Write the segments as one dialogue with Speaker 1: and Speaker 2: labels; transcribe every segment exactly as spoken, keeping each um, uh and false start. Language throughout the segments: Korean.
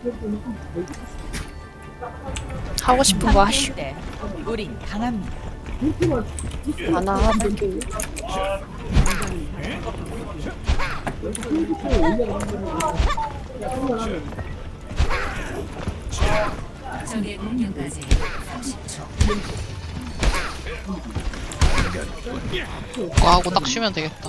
Speaker 1: 하고 싶은 거 하시오.
Speaker 2: 우린 강합니다.
Speaker 1: 하나 하고.
Speaker 2: 적의 공격까지 삼십 초.
Speaker 3: 그거 하고 딱 쉬면 되겠다.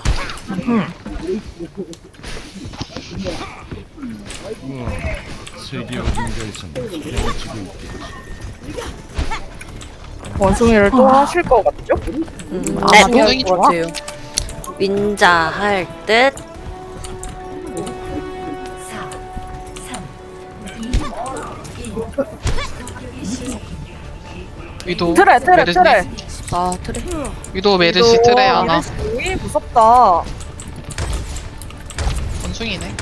Speaker 4: 세계 어딘가에선 헤엄치고 있겠지.
Speaker 5: 원숭이를 또 하실 것 같죠?
Speaker 1: 음,
Speaker 3: 네,
Speaker 1: 아마도
Speaker 3: 원숭이
Speaker 1: 것 같아요. 윈자 할 듯.
Speaker 2: 사, 삼, 이, 일.
Speaker 3: 위도
Speaker 5: 트레 트레
Speaker 3: 메르시,
Speaker 5: 트레.
Speaker 1: 아 트레.
Speaker 3: 위도 메르시 트레 하나.
Speaker 5: 메르시 무섭다.
Speaker 3: 원숭이네.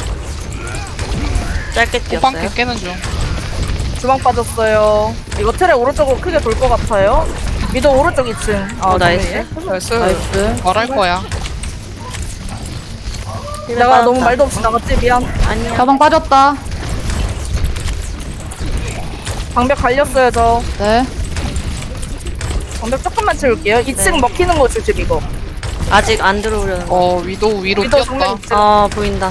Speaker 1: 짧게
Speaker 3: 호빵
Speaker 1: 뛰었어요.
Speaker 3: 깨는 중.
Speaker 5: 주방 빠졌어요. 이거 트레 오른쪽으로 크게 돌 것 같아요. 미도 오른쪽 이 층. 아
Speaker 1: 어, 나이스.
Speaker 5: 정면이네.
Speaker 3: 나이스.
Speaker 1: 나이스.
Speaker 3: 뭘 할 거야?
Speaker 5: 내가 너무 말도 없이 나갔지 미안.
Speaker 1: 아니야.
Speaker 6: 가방 빠졌다.
Speaker 5: 방벽 갈렸어요 저.
Speaker 6: 네.
Speaker 5: 방벽 조금만 채울게요. 이 층
Speaker 1: 네.
Speaker 5: 먹히는 거 조심 이거.
Speaker 1: 아직 안 들어오려는 거.
Speaker 3: 어 위도 위로
Speaker 5: 미도
Speaker 3: 뛰었다.
Speaker 5: 정면 이 층.
Speaker 1: 아 보인다.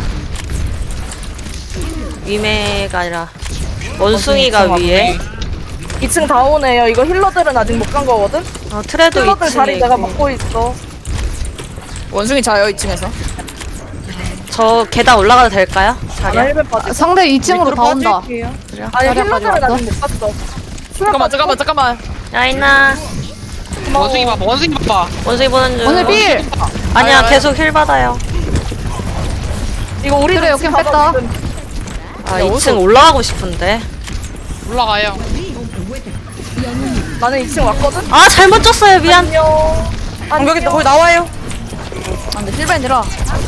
Speaker 1: 위메가 아니라 원숭이가
Speaker 5: 원숭이
Speaker 1: 위에.
Speaker 5: 이 층 다 오네요. 이거 힐러들은 아직 못 간 거거든.
Speaker 1: 어 트레도
Speaker 5: 힐러들 자리
Speaker 1: 이층에
Speaker 5: 내가
Speaker 1: 있고.
Speaker 5: 먹고 있어.
Speaker 6: 원숭이 자요 이 층에서.
Speaker 1: 저 계단 올라가도 될까요?
Speaker 5: 나
Speaker 1: 자리야.
Speaker 5: 힐벤 빠지.
Speaker 6: 상대 이 층으로 다 온다.
Speaker 5: 아니
Speaker 6: 자리야,
Speaker 5: 힐러들은
Speaker 6: 빠졌어?
Speaker 5: 아직 못 갔어.
Speaker 6: 잠깐만 잠깐만 잠깐만.
Speaker 1: 야이나
Speaker 3: 원숭이 봐봐. 원숭이 봐봐.
Speaker 1: 원숭이 보는 중.
Speaker 6: 오늘 빌.
Speaker 1: 아니야 계속 힐 받아요.
Speaker 5: 이거 우리
Speaker 6: 그래, 여긴 뺐다.
Speaker 1: 아 이 층 올라가고 싶은데.
Speaker 3: 올라가요.
Speaker 5: 나는 이 층 왔거든.
Speaker 1: 아 잘못 쪘어요 미안.
Speaker 5: 안녕.
Speaker 6: 공격이 거기 나와요. 안돼 힐벤이라.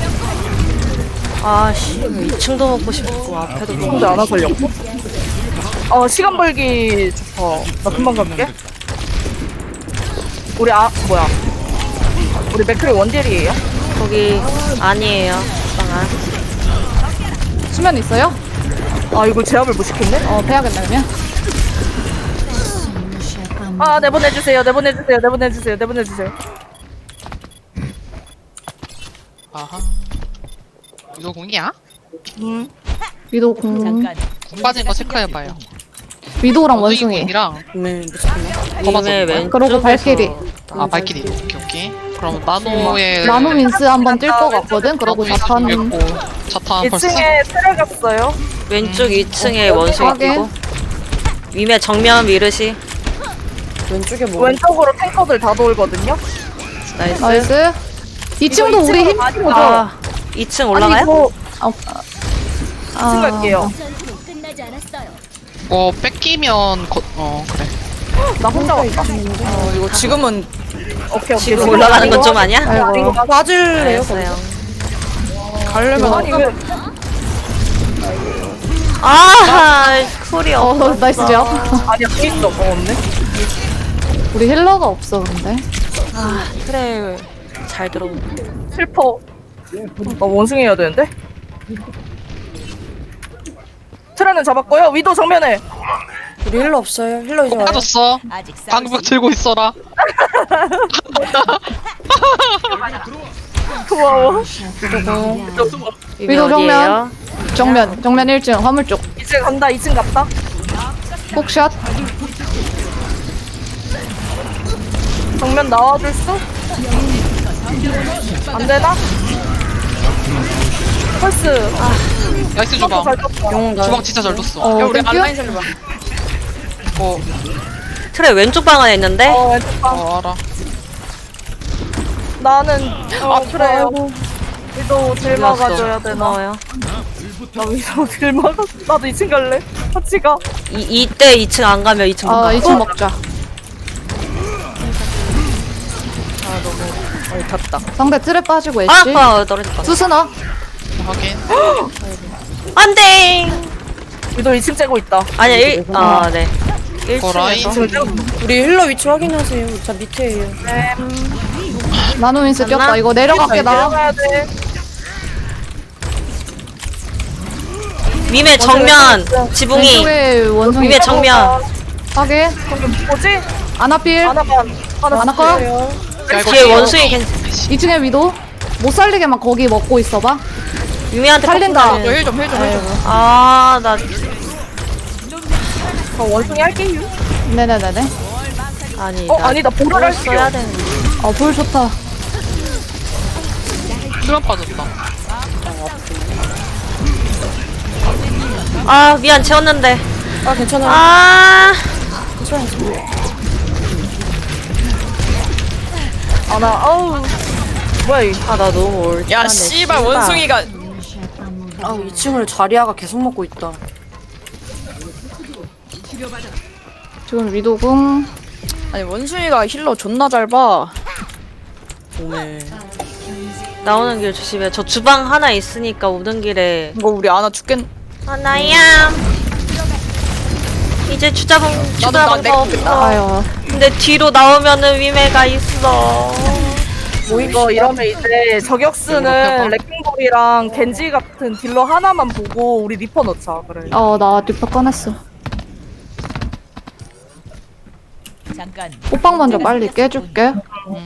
Speaker 1: 아씨 이 층도 먹고 싶고 앞에도 먹고
Speaker 5: 근데 안 와걸렸고? 어 시간 벌기 좋다. 나 금방 갈게. 우리 아 뭐야? 우리 맥크리 원딜이에요?
Speaker 1: 거기 아니에요. 빵아.
Speaker 6: 수면 있어요?
Speaker 5: 아 이거 제압을 못 시켰네?
Speaker 6: 어 빼야겠네 그러면.
Speaker 5: 아 내보내주세요. 내보내주세요. 내보내주세요. 내보내주세요.
Speaker 3: 아하. 위도 공이야?
Speaker 5: 음.
Speaker 6: 위도 공.
Speaker 2: 잠깐.
Speaker 3: 공 빠진 거 체크해봐요.
Speaker 6: 위도랑 원숭이.
Speaker 3: 공이랑
Speaker 1: 네 무섭네.
Speaker 3: 거봐서
Speaker 1: 위메
Speaker 3: 뭐야?
Speaker 1: 왼쪽에서.
Speaker 6: 그러고 발키리.
Speaker 3: 아 발키리. 오케이 오케이. 그럼 나노의
Speaker 6: 나노 민스 한번 뛸 것 같거든. 그러고
Speaker 3: 나노의
Speaker 6: 자판.
Speaker 3: 죽였고 자탄 벌써.
Speaker 5: 이 층에 트레 갔어요.
Speaker 1: 왼쪽 이 층에 원숭이
Speaker 6: 확인.
Speaker 1: 뛰고. 위메 정면 미르시. 왼쪽에 뭐?
Speaker 5: 왼쪽으로 탱커들 다 돌거든요.
Speaker 6: 나이스.
Speaker 1: 나이스.
Speaker 6: 이 층도
Speaker 5: 이거
Speaker 6: 우리
Speaker 5: 이 층으로
Speaker 6: 힘.
Speaker 5: 많이
Speaker 6: 아,
Speaker 1: 아 이 층 올라가요?
Speaker 5: 아니 이거
Speaker 6: 아,
Speaker 5: 이 층 갈게요.
Speaker 3: 어 뺏기면 거, 어 그래.
Speaker 5: 나 혼자 왔다.
Speaker 6: 어, 이거 지금은
Speaker 5: 오케이 오케이.
Speaker 1: 지금 올라가는 건 좀 아니야?
Speaker 6: 아이고.
Speaker 5: 빠질래요?
Speaker 1: 알겠어요.
Speaker 6: 가려면
Speaker 5: 아니 왜?
Speaker 1: 아 쿨이
Speaker 6: 어
Speaker 1: 없어.
Speaker 6: 나이스 제압.
Speaker 5: 아니야 또 있어. 어 없네.
Speaker 6: 우리 힐러가 없어 근데.
Speaker 1: 아 그래 잘 들어오네.
Speaker 5: 슬퍼. 나 원숭이 해야 되는데? 트레는 잡았고요. 위도 정면에.
Speaker 1: 우리 힐러 없어요. 힐러 이제
Speaker 3: 빠졌어.
Speaker 2: 아직 싸울
Speaker 3: 방벽
Speaker 2: 수
Speaker 3: 들고 있어라.
Speaker 5: 고마워.
Speaker 6: 위도 정면. 정면 정면 일 층 화물 쪽.
Speaker 5: 이 층 간다. 이 층 갔다.
Speaker 6: 폭샷.
Speaker 5: 정면 나와줄 수? 안 되나? 펄스. 아,
Speaker 3: 나이스 주방.
Speaker 5: 잘 떴다.
Speaker 3: 주방 진짜 잘 줬어.
Speaker 6: 어 땡큐.
Speaker 3: 어,
Speaker 1: 트레 왼쪽 방 안에 있는데.
Speaker 5: 어, 왼쪽 방.
Speaker 3: 어 알아.
Speaker 5: 나는, 어, 그래요. 위도 딜
Speaker 1: 어디 갔어?
Speaker 5: 막아줘야 되나?
Speaker 1: 고마워요.
Speaker 5: 나 위도 딜 막아. 나도 이 층 갈래. 같이 가.
Speaker 1: 이 이때 이 층 안 가면 이 층 못
Speaker 6: 아
Speaker 1: 가.
Speaker 6: 이 층 먹자.
Speaker 5: 어이, 탔다.
Speaker 6: 상대 틀에 빠지고
Speaker 1: 아,
Speaker 6: 애쉬.
Speaker 1: 아 떨어졌다.
Speaker 6: 수스나.
Speaker 3: 확인.
Speaker 1: 안돼.
Speaker 5: 위도 이 층 째고 있다.
Speaker 1: 아니야 일. 아 네.
Speaker 3: 어, 라인.
Speaker 1: 일 층에서.
Speaker 7: 우리 힐러 위치 확인하세요. 저 밑에예요.
Speaker 5: 네.
Speaker 6: 나노 민스 뛰었다. 이거 내려갈게 나.
Speaker 5: 내려가야 돼.
Speaker 1: 위메 정면 지붕이
Speaker 6: 왼쪽에 원숭이
Speaker 1: 위메 정면
Speaker 6: 하게
Speaker 5: 뭐지?
Speaker 6: 아나필
Speaker 5: 하나만 하나
Speaker 6: 하나 거?
Speaker 5: 쓸게요.
Speaker 3: 야, 이거
Speaker 1: 뒤에
Speaker 3: 이거
Speaker 1: 원숭이 괜찮
Speaker 6: 이 층에 위도 못 살리게만 거기 먹고 있어봐.
Speaker 1: 위메한테
Speaker 6: 살린다.
Speaker 1: 꺾이면은-
Speaker 3: 힐좀 힐 좀 힐좀
Speaker 1: 아나
Speaker 5: 저 원숭이 할게요.
Speaker 6: 네네네네.
Speaker 1: 아니
Speaker 5: 어
Speaker 1: 나
Speaker 5: 아니다 보라
Speaker 1: 뭘
Speaker 5: 할게요.
Speaker 1: 써야 되는데
Speaker 6: 어불 좋다.
Speaker 3: 수면 빠졌다.
Speaker 1: 아 미안 채웠는데
Speaker 7: 아 괜찮아요.
Speaker 1: 아
Speaker 5: 아나 아우 뭐야 이
Speaker 1: 아 나 너무 올.
Speaker 3: 야 씨발 원숭이가
Speaker 7: 아 이 층을 자리아가 계속 먹고 있다.
Speaker 6: 지금 위도궁
Speaker 8: 아니 원숭이가 힐러 존나 잘 봐.
Speaker 7: 오메.
Speaker 1: 나오는 길 조심해. 저 주방 하나 있으니까 오는 길에
Speaker 8: 이거 우리 아나 죽겠.
Speaker 1: 하나야. 이제 주자봉
Speaker 8: 나도 나
Speaker 1: 주자봉
Speaker 8: 내가
Speaker 1: 없어.
Speaker 6: 아유
Speaker 1: 근데 뒤로 나오면은 위메가 있어.
Speaker 5: 뭐 이거 이러면 이제 저격수는 레킹볼이랑 겐지 같은 딜러 하나만 보고 우리 리퍼 넣자 그래.
Speaker 6: 어나 뒷바 꺼냈어.
Speaker 2: 잠깐
Speaker 6: 호빵 먼저 빨리 깨줄게.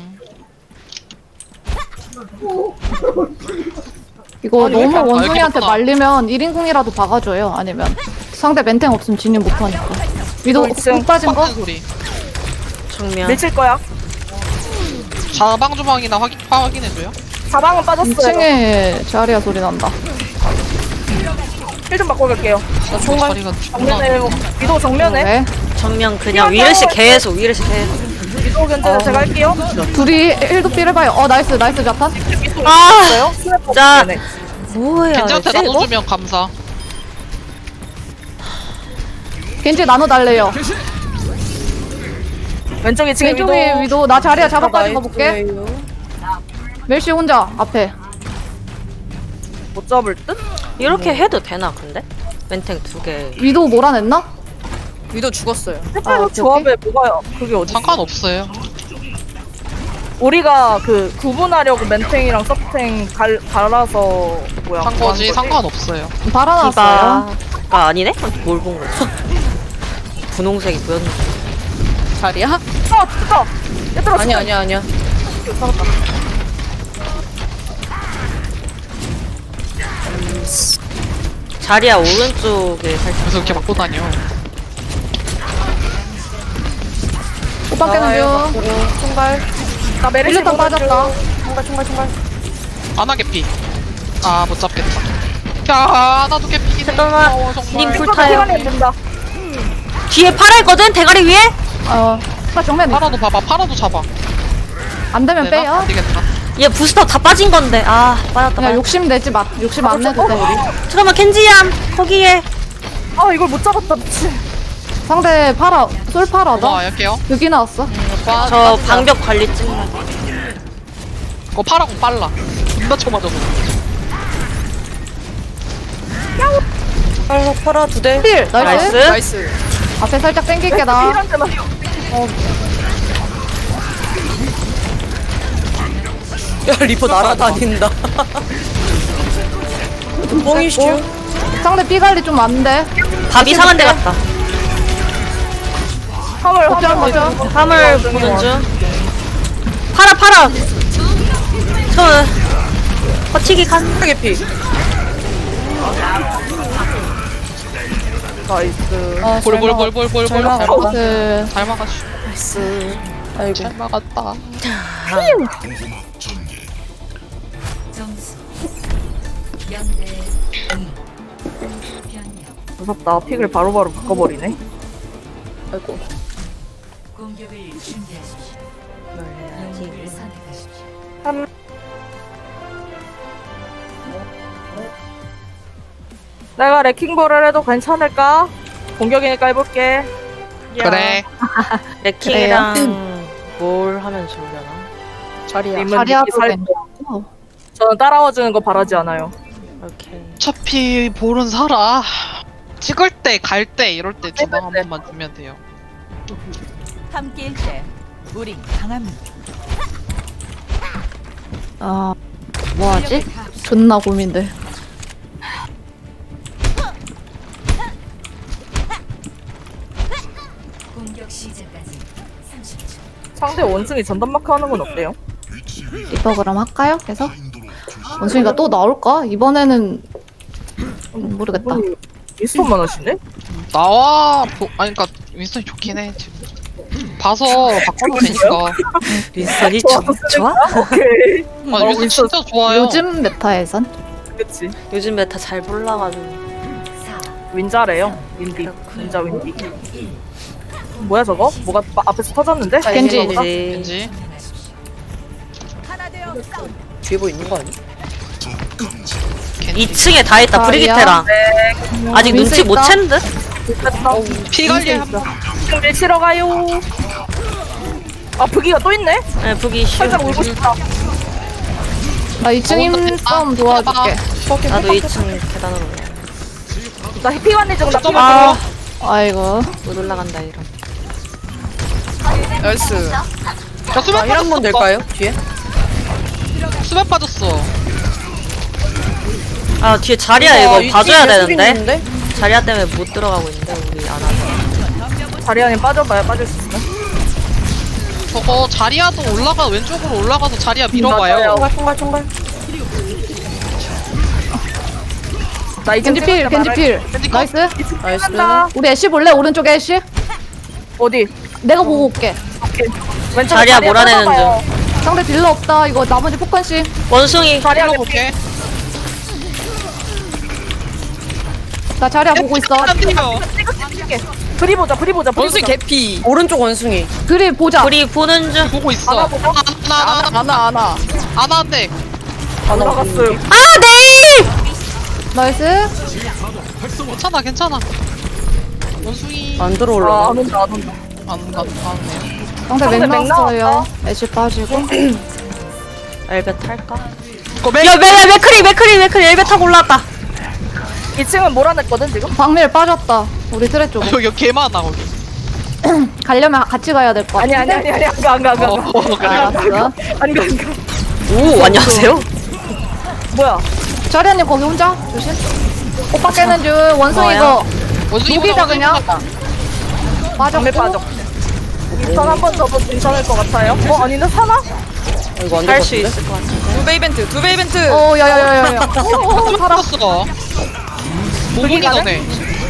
Speaker 6: 이거
Speaker 3: 아니, 왜
Speaker 6: 너무
Speaker 3: 이렇게 안-
Speaker 6: 원숭이한테
Speaker 3: 아, 이렇게
Speaker 6: 말리면 일 인궁이라도 박아줘요. 아니면 상대 멘탱 없으면 진입 못하니까. 위도
Speaker 5: 어, 있음.
Speaker 6: 훅 빠진 거?
Speaker 3: 빡는 소리.
Speaker 1: 정면.
Speaker 5: 밀칠 거야.
Speaker 3: 자방 주방이나 확인 확인해줘요.
Speaker 5: 자방은 빠졌어요.
Speaker 6: 이 층에 자리야 소리 난다.
Speaker 5: 힐 좀 바꿔 갈게요.
Speaker 3: 나 총알 자리가
Speaker 5: 정면에
Speaker 3: 존나.
Speaker 5: 위도 정면에
Speaker 6: 네.
Speaker 1: 정면 그냥 위르시 계속 위르시 계속.
Speaker 5: 위도 견제 제가 할게요.
Speaker 6: 둘이 일도 삐를 봐요. 어 나이스 나이스 자탄.
Speaker 1: 아
Speaker 5: 있어요? 스냅
Speaker 1: 자.
Speaker 5: 네
Speaker 1: 뭐야
Speaker 3: 겐지한테
Speaker 1: 이거?
Speaker 3: 나눠주면 감사.
Speaker 6: 겐지 나눠 달래요.
Speaker 5: 왼쪽에 지금 위도
Speaker 6: 왼쪽에 위도 나 자리야 잡아 빠진 거 볼게.
Speaker 7: 나이스예요.
Speaker 6: 멜시 혼자 앞에.
Speaker 5: 못 잡을 듯?
Speaker 1: 이렇게 해도 되나 근데? 멘탱 두 개.
Speaker 6: 위도 몰아냈나?
Speaker 8: 위도 죽었어요.
Speaker 5: 색깔
Speaker 6: 오케이,
Speaker 5: 조합에 뭐가 그게 어디?
Speaker 3: 상관없어요.
Speaker 5: 우리가 그 구분하려고 멘탱이랑 서탱 갈 갈아서 뭐야?
Speaker 3: 한
Speaker 5: 뭐
Speaker 3: 거지
Speaker 5: 한
Speaker 3: 상관없어요.
Speaker 6: 달아놨어요.
Speaker 1: 디바가 아니네? 뭘 본 거지? 분홍색이 보였는데.
Speaker 8: 자리야?
Speaker 5: 어, 진짜. 얘들아,
Speaker 8: 아니야 아니야 아니야.
Speaker 1: 자리야 오른쪽에 살짝.
Speaker 3: 그래서 이렇게 맞고 다녀.
Speaker 6: 호빵 깨는 중.
Speaker 7: 총발.
Speaker 5: 나 메르시
Speaker 6: 일루탄 빠졌다.
Speaker 7: 총발 총발 총발.
Speaker 3: 안 하게 피. 아 못 잡겠다. 야 나도 개피.
Speaker 1: 잠깐만.
Speaker 3: 어, 정말.
Speaker 1: 님
Speaker 5: 불
Speaker 1: 불타요.
Speaker 5: 시간이 된다.
Speaker 1: 뒤에 파라 있거든? 대가리 위에?
Speaker 6: 어. 파 정면
Speaker 3: 파라도 봐봐. 파라도 잡아.
Speaker 6: 안 되면
Speaker 3: 되나?
Speaker 6: 빼요.
Speaker 3: 안 되겠다.
Speaker 1: 얘 부스터 다 빠진 건데. 아 빠졌다.
Speaker 6: 그냥
Speaker 1: 빠졌다.
Speaker 6: 욕심 내지 마. 욕심 안 내도 돼.
Speaker 1: 잠깐만 켄지얌 거기에.
Speaker 5: 아, 이걸 못 잡았다, 미친.
Speaker 6: 상대 파라 솔
Speaker 3: 어
Speaker 6: 파라다.
Speaker 3: 할게요.
Speaker 6: 여기 나왔어.
Speaker 1: 저 방벽 관리 좀.
Speaker 3: 어 파라고 빨라. 존나 쳐맞아서.
Speaker 7: 팔라 팔아 두 대.
Speaker 6: 필 나이스.
Speaker 1: 나이스.
Speaker 8: 나이스.
Speaker 6: 앞에 살짝 당길게 나.
Speaker 5: 이런 데만.
Speaker 7: 야 리퍼 날아다닌다. 뽕이슈.
Speaker 6: 상대 피 관리 좀 안 돼.
Speaker 1: 밥 이상한 데 갔다.
Speaker 5: 화물,
Speaker 6: 걱정
Speaker 5: 화물,
Speaker 6: 마죠.
Speaker 5: 화물.
Speaker 1: 화물 보는 중. 파라 파라. 저 버티기 간.
Speaker 7: 개피.
Speaker 5: 나이스.
Speaker 7: 아,
Speaker 3: 볼볼볼볼볼볼.
Speaker 7: 잘
Speaker 3: 잘
Speaker 7: 막았다.
Speaker 3: 막았다.
Speaker 6: 그
Speaker 3: 잘 막았어.
Speaker 7: 나이스. 아이고.
Speaker 3: 잘 막았다.
Speaker 2: 점수 영 대 이. 변형
Speaker 5: 무섭다. 픽을 바로바로 바꿔버리네.
Speaker 7: 아이고.
Speaker 2: 공격을 준비하십시오. 영웅을 선택하십시오.
Speaker 5: 한... 내가 레킹볼을 해도 괜찮을까? 공격이니까 해볼게.
Speaker 3: 그래.
Speaker 1: 레킹이랑 뭘 하면 좋으려나?
Speaker 8: 자리야.
Speaker 5: 님은
Speaker 6: 자리야
Speaker 5: 믿기 살...
Speaker 6: 괜찮고.
Speaker 5: 저는 따라와주는 거 바라지 않아요.
Speaker 1: 오케이.
Speaker 3: 어차피 볼은 살아. 찍을 때, 갈 때, 이럴 때 주방 한 번만 주면 돼요.
Speaker 2: 함께일 때 우린 강합니다.
Speaker 6: 아 뭐하지? 존나 고민돼.
Speaker 2: 공격 시작까지 삼십 초.
Speaker 5: 상대 원숭이 전담마크 하는 건 어때요?
Speaker 6: 리퍼 그럼 할까요? 계속? 원숭이가 또 나올까? 이번에는 음, 모르겠다.
Speaker 5: 미스톤만 하시네?
Speaker 3: 나와 보, 아니 그니까 윈스턴이 좋긴 해 지금. 봐서 바꿔도 되니까.
Speaker 1: 윈스턴이
Speaker 5: 좋아,
Speaker 1: 좋아?
Speaker 5: 오케이.
Speaker 3: 아 윈스턴 진짜 좋아요.
Speaker 6: 요즘 메타에선
Speaker 5: 그치.
Speaker 1: 요즘 메타 잘 몰라가지고.
Speaker 5: 윈자래요. 윈디. 윈자 윈디. 뭐야 저거? 뭐가 마- 앞에서 터졌는데?
Speaker 6: 겐지.
Speaker 5: 이거보다?
Speaker 3: 왠지
Speaker 7: 뒤에 뭐 있는 거 아니야?
Speaker 3: 겐지
Speaker 1: 이 층에 다 있다.
Speaker 6: 다리야?
Speaker 1: 브리기테랑. 아직
Speaker 6: 윈스
Speaker 1: 눈치 못
Speaker 6: 있다?
Speaker 1: 챘는데?
Speaker 5: 됐다.
Speaker 3: 피 관리 한번.
Speaker 5: 지금 밀치러 가요. 아 부기가 또 있네?
Speaker 1: 네, 북이 쉬워.
Speaker 5: 살짝 울고 싶다.
Speaker 6: 나 이 층 힘싸움 도와줄게.
Speaker 1: 나도 이 층 계단으로 올라.
Speaker 5: 나 해피관리 좀 나.
Speaker 1: 아,
Speaker 6: 아이고.
Speaker 1: 못 올라간다 이런.
Speaker 8: 나이스.
Speaker 3: 야 수면
Speaker 7: 힐 한 번
Speaker 3: 빠졌어.
Speaker 7: 될까요? 뒤에?
Speaker 3: 수면 빠졌어.
Speaker 1: 아 뒤에 자리야
Speaker 7: 와,
Speaker 1: 이거
Speaker 7: 이
Speaker 1: 봐줘야
Speaker 7: 뒤에 수빈
Speaker 1: 되는데.
Speaker 7: 있는데?
Speaker 1: 자리야 때문에 못 들어가고 있는데 우리 안 하자.
Speaker 5: 자리안에 빠져봐야 빠질 수 있어.
Speaker 3: 저거 자리야도 올라가 왼쪽으로 올라가서 자리야 밀어봐요.
Speaker 5: 맞아요.
Speaker 7: 총갈 총갈 총갈.
Speaker 5: 나 이제
Speaker 6: 겐지 필, 겐지 필.
Speaker 3: 겐지 컷.
Speaker 6: 나이스.
Speaker 7: 나이스.
Speaker 5: 간다.
Speaker 6: 우리 애쉬 볼래? 오른쪽에 애쉬?
Speaker 5: 어디?
Speaker 6: 내가 보고 올게.
Speaker 5: 왼쪽
Speaker 1: 자리야 몰아내는
Speaker 6: 상대 딜러 없다. 이거 나머지 포컨씨.
Speaker 1: 원숭이.
Speaker 5: 자리야
Speaker 3: 밀어볼게.
Speaker 6: 나 자리야 보고 있어.
Speaker 3: 안 돼요.
Speaker 5: 브리 보자 브리 보자 브리
Speaker 8: 원숭이
Speaker 5: 보자.
Speaker 8: 개피.
Speaker 7: 오른쪽 원숭이.
Speaker 6: 그리 보자.
Speaker 1: 우리 보는 중.
Speaker 3: 보고 있어.
Speaker 5: 하나 보고?
Speaker 3: 하나 하나
Speaker 8: 아나 아나.
Speaker 3: 하나 한 대.
Speaker 5: 올라갔어요.
Speaker 1: 아 네.
Speaker 6: 나이스.
Speaker 3: 괜찮아 괜찮아. 원숭이
Speaker 7: 안
Speaker 5: 아,
Speaker 7: 들어올라.
Speaker 5: 안 온다 안 온다.
Speaker 3: 안 가. 안네.
Speaker 6: 상대
Speaker 5: 상대
Speaker 6: 맥
Speaker 5: 맥
Speaker 6: 나왔어요.
Speaker 5: 나왔다.
Speaker 6: 애쉬 빠지고.
Speaker 1: 엘베 탈까?
Speaker 3: 이거 맥.
Speaker 1: 야, 야, 야, 맥크리, 맥크리, 맥크리, 엘베 타고 올라왔다.
Speaker 5: 이 층은 몰아냈거든 지금.
Speaker 6: 박밀 빠졌다. 우리 트레 쪽.
Speaker 3: 여기 개 많아 거기.
Speaker 6: 가려면 같이 가야 될 것
Speaker 5: 아니
Speaker 6: 같아.
Speaker 5: 아니 아니 아니 안가 안가 안가.
Speaker 3: 어, 어 그래.
Speaker 6: 알았어.
Speaker 5: 안가 안가.
Speaker 1: 오, 안녕하세요.
Speaker 5: 뭐야?
Speaker 6: 자리아님 거기 혼자? 조심. 오빠 깨는 줄. 원숭이
Speaker 1: 뭐야?
Speaker 6: 이거
Speaker 3: 원숭이
Speaker 6: 녹이다
Speaker 3: 원숭이
Speaker 6: 그냥. 빠졌고.
Speaker 5: 장미 빠져. 선 한 번 더도 괜찮을 것 같아요. 어 아니네 사나?
Speaker 7: 이거 안
Speaker 1: 할
Speaker 7: 될
Speaker 1: 수
Speaker 7: 것 같은데?
Speaker 1: 있을 것 같은데.
Speaker 8: 두 배 이벤트. 두 배 이벤트.
Speaker 6: 어, 야야야야야.
Speaker 3: 어, 살았어. 모공이
Speaker 5: 가네?
Speaker 3: 너네.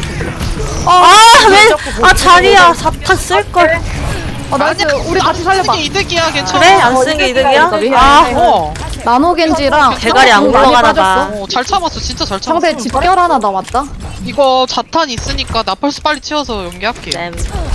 Speaker 1: 아, 왜? 아, 자리야. 사탄 쓸걸.
Speaker 6: 어, 나이스. 우리 같이 살려봐.
Speaker 3: 쓰는 게 이득이야 괜찮아.
Speaker 1: 그래? 안 쓴 게 이득이야?
Speaker 6: 아,
Speaker 3: 어.
Speaker 6: 나노겐지랑
Speaker 1: 대가리 안
Speaker 6: 공 많이
Speaker 1: 굴러가나
Speaker 6: 빠졌어.
Speaker 1: 봐.
Speaker 3: 어, 잘 참았어 진짜 잘 참았어.
Speaker 6: 상대 집결 하나 남았다.
Speaker 3: 이거 자탄 있으니까 나펄스 빨리 치워서 연기할게.
Speaker 1: 쌤.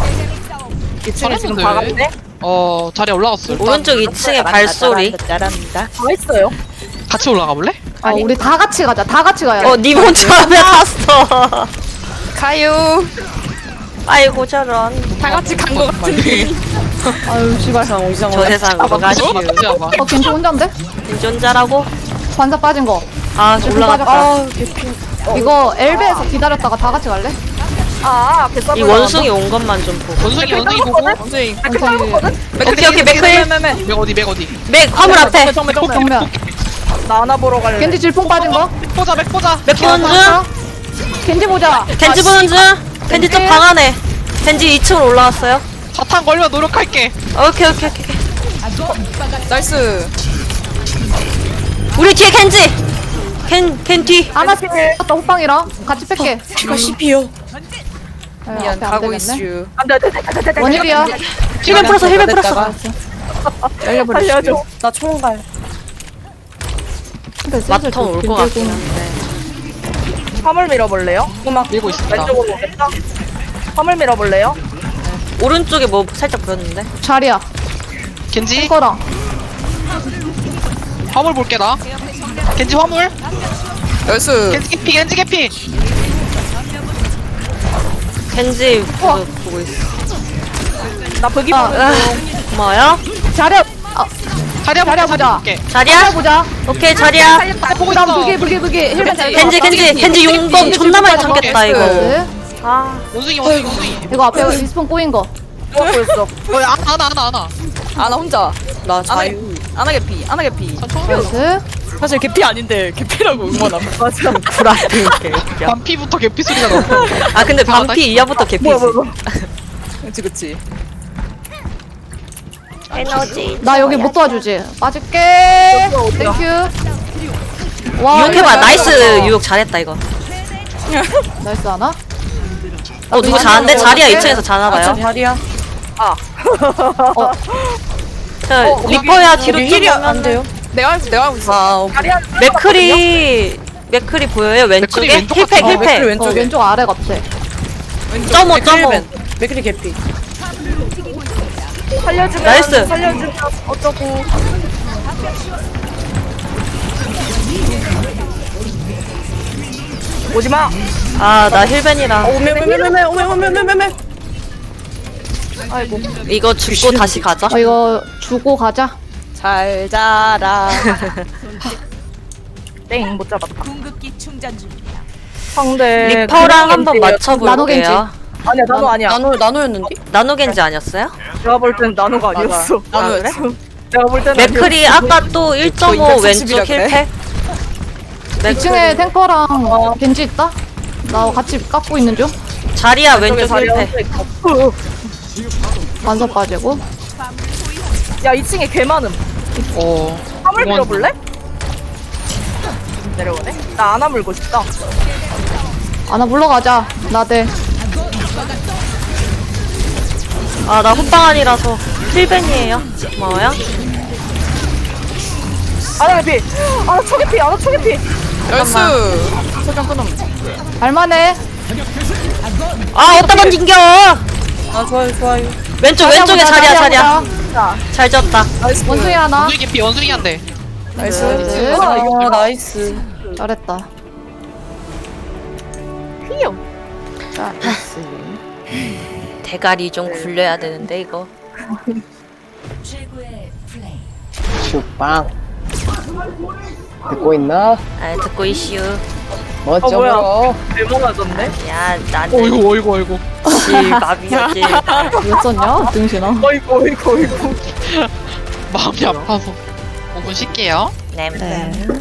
Speaker 5: 이 층에 지금
Speaker 3: 잘했는데.
Speaker 5: 다 갔네.
Speaker 3: 어 자리 올라갔어. 일단
Speaker 1: 오른쪽 이 층에 발소리.
Speaker 5: 다 있어요.
Speaker 3: 같이 올라가 볼래?
Speaker 6: 아, 우리 다 같이 가자. 다 같이 가야 돼.
Speaker 1: 어, 니 혼자 왜 갔어?
Speaker 8: 가요.
Speaker 1: 아이고, 저런.
Speaker 8: 다 같이 간 거 같은데.
Speaker 6: 아유, 씨발.
Speaker 7: 이상 이상.
Speaker 1: 저 세상 뭐가시오.
Speaker 3: 같이 와봐.
Speaker 6: 어, 겐지 혼자인데?
Speaker 1: 운전자라고?
Speaker 6: 관사 빠진 거.
Speaker 1: 아,
Speaker 6: 조금
Speaker 1: 올라갔다.
Speaker 6: 빠졌다. 이거 엘베에서 기다렸다가 다 같이 갈래?
Speaker 5: 아 개싸.
Speaker 1: 이 원숭이 온 것만 좀 보고.
Speaker 3: 원숭이 원숭이 보고.
Speaker 8: 원숭이.
Speaker 6: 원숭이.
Speaker 1: 오케이, 오케이, 맥클.
Speaker 3: 맥 어디 맥 어디.
Speaker 1: 맥, 화물 앞에.
Speaker 8: 정면 정면.
Speaker 6: 정면.
Speaker 5: 나 하나 보러 갈래.
Speaker 6: 겐지 질풍 빠진 거.
Speaker 3: 맥 보자 맥 보자.
Speaker 1: 맥 보는 중.
Speaker 6: 겐지 보자.
Speaker 1: 겐지 보는 중. 겐지 쪽 방 안에. 겐지 이 층으로 올라왔어요.
Speaker 3: 자탄 걸면 노력할게.
Speaker 1: 오케이, 오케이, 오케이. 오케이.
Speaker 8: 나이스.
Speaker 1: 우리 뒤에 겐지. 겐, 겐 뒤.
Speaker 6: 아나 다 호빵이랑 같이 뺄게.
Speaker 7: 피가 씹히요.
Speaker 6: 아,
Speaker 8: 미안
Speaker 6: 앞에 안
Speaker 8: 가고
Speaker 6: 되겠네.
Speaker 8: 있슈.
Speaker 5: 안돼 안돼 안돼 안돼.
Speaker 6: 원일이야.
Speaker 1: 힐벤 풀었어, 힐벤 풀었어.
Speaker 5: 살려줘.
Speaker 7: 나 총갈.
Speaker 1: 마텀 올 것 같긴 한데.
Speaker 5: 화물 밀어볼래요?
Speaker 3: 음악 밀고 있습니다.
Speaker 5: 왼쪽으로 오겠다. 화물 밀어볼래요?
Speaker 1: 오른쪽에 뭐 살짝 보였는데.
Speaker 6: 자리야.
Speaker 3: 겐지
Speaker 6: 이거랑.
Speaker 3: 화물 볼게 나. 겐지 화물.
Speaker 8: 나이스.
Speaker 3: 겐지 개피 겐지 개피.
Speaker 1: 겐지 그거 보고 있어.
Speaker 5: 나 버기
Speaker 6: 아,
Speaker 5: 보는
Speaker 1: 아,
Speaker 5: 중.
Speaker 1: 고마워요.
Speaker 6: 자리야. 아,
Speaker 3: 자리야
Speaker 6: 자리야
Speaker 3: 보자.
Speaker 6: 보자.
Speaker 3: 볼게.
Speaker 1: 자리야?
Speaker 6: 보자.
Speaker 1: 오케이, 자리야.
Speaker 3: 보고
Speaker 6: 그다음
Speaker 3: 있어.
Speaker 6: 부기 부기 부기 힐벤 잘.
Speaker 1: 겐지, 겐지, 겐지 용검 존나 많이 참겠다, 이거.
Speaker 6: 나이스.
Speaker 1: 아,
Speaker 3: 원숭이 원숭이 원숭이.
Speaker 6: 이거 앞에 리스폰 꼬인 거.
Speaker 5: 누가 보였어?
Speaker 3: 어, 아, 아나 아나 아나.
Speaker 8: 아나 혼자.
Speaker 7: 나
Speaker 8: 아나
Speaker 7: 자유.
Speaker 8: 아나 개피. 아나 개피.
Speaker 6: 나이스.
Speaker 8: 사실 개피 아닌데 개피라고 응원함.
Speaker 5: 맞아.
Speaker 1: 불안해.
Speaker 3: 반피부터 개피 소리가 나.
Speaker 1: 아, 근데 반피 이하부터 개피지.
Speaker 5: 뭐야 뭐야. 뭐야.
Speaker 8: 그치 그치.
Speaker 1: 에너지.
Speaker 6: 나 여기 못 도와주지. 빠질게. 땡큐. 와,
Speaker 1: 유혹해봐.
Speaker 6: 이거
Speaker 1: 나이스.
Speaker 6: 잘한다.
Speaker 1: 유혹 잘했다 이거.
Speaker 6: 나이스 하나?
Speaker 1: 어 누구 잘하는데? 자리야 이 층에서 자나봐요.
Speaker 7: 자리야.
Speaker 1: 자 리퍼야 뒤로
Speaker 7: 여기 힐이
Speaker 1: 좀
Speaker 7: 안 돼요.
Speaker 8: 내가 알고 내가 알고 있어.
Speaker 7: 아, 오케이.
Speaker 5: 자리야.
Speaker 1: 맥크리 맥크리 보여요 왼쪽에?
Speaker 3: 왼쪽
Speaker 1: 힐팩
Speaker 3: 같아. 어,
Speaker 7: 맥크리
Speaker 1: 힐팩.
Speaker 7: 왼쪽에.
Speaker 6: 어, 왼쪽 아래 같아.
Speaker 1: 점오 점오.
Speaker 7: 맥크리 개피.
Speaker 5: 살려주면
Speaker 1: 나이스.
Speaker 5: 살려주면 어쩌고. 오지마.
Speaker 1: 아나 힐벤이라
Speaker 7: 오메메메메메 오메메메메메.
Speaker 6: 아이고.
Speaker 1: 이거 죽고 다시 가자.
Speaker 6: 어, 이거 주고 가자.
Speaker 8: 잘 자라.
Speaker 5: 땡 못 잡았다.
Speaker 2: 궁극기 충전 중입니다.
Speaker 5: 상대
Speaker 1: 리퍼랑 한번
Speaker 5: 겐지예요.
Speaker 1: 맞춰볼게요.
Speaker 5: 아니야 나노 아니야.
Speaker 7: 나노 나노였는데?
Speaker 1: 나노겐지 아니었어요?
Speaker 5: 내가 볼 땐 나노가 아니었어.
Speaker 8: 나노
Speaker 1: 그래?
Speaker 5: 내가 볼 때는
Speaker 1: 맥크리 아까 또 일 점 오 왼쪽
Speaker 8: 이백사십이라 그래?
Speaker 1: 힐팩.
Speaker 6: 이 층에 탱커랑 겐지 있다? 나 같이 깎고 있는 중.
Speaker 1: 자리야 왼쪽
Speaker 5: 자리야
Speaker 1: 힐팩.
Speaker 6: 반석 빠지고.
Speaker 5: 야 이 층에 개 많음.
Speaker 3: 어.
Speaker 5: 화물
Speaker 3: 공원.
Speaker 5: 밀어볼래? 내려오네. 나 안아 물고 싶다.
Speaker 6: 아나 물러가자. 나대.
Speaker 1: 아 나 호빵안이라서 힐벤이에요. 고마워요.
Speaker 5: 안아 개피. 안아 초계피. 안아 초계피.
Speaker 8: 나이스.
Speaker 5: 소장 끊음.
Speaker 6: 할만해.
Speaker 1: 아 어디다 던진겨.
Speaker 7: 아 좋아요 좋아요.
Speaker 1: 왼쪽 왼쪽에 자리야 자리야.
Speaker 5: 자,
Speaker 1: 잘 졌다.
Speaker 6: 원숭이 하나.
Speaker 3: 원숭이 개피 원숭이 한 대.
Speaker 8: 나이스.
Speaker 6: 나이스.
Speaker 7: 아 나이스.
Speaker 6: 잘했다.
Speaker 5: 피요.
Speaker 6: 자, 나이스.
Speaker 1: 대가리 좀 굴려야 되는데 이거.
Speaker 2: 최고의 플레이.
Speaker 9: 슈빵 듣고 있나?
Speaker 1: 아 듣고 이슈.
Speaker 9: 멋져
Speaker 5: 어, 뭐야.
Speaker 9: 보여.
Speaker 5: 대박나졌네.
Speaker 1: 야 나는
Speaker 3: 어이구 어이구 어이구.
Speaker 1: 실밥이었지.
Speaker 6: 왜 썼냐? 등신아.
Speaker 5: 어이구 어이구 어이구.
Speaker 3: 마음이 아파서. 오 분 쉴게요.
Speaker 1: 네.
Speaker 6: 네.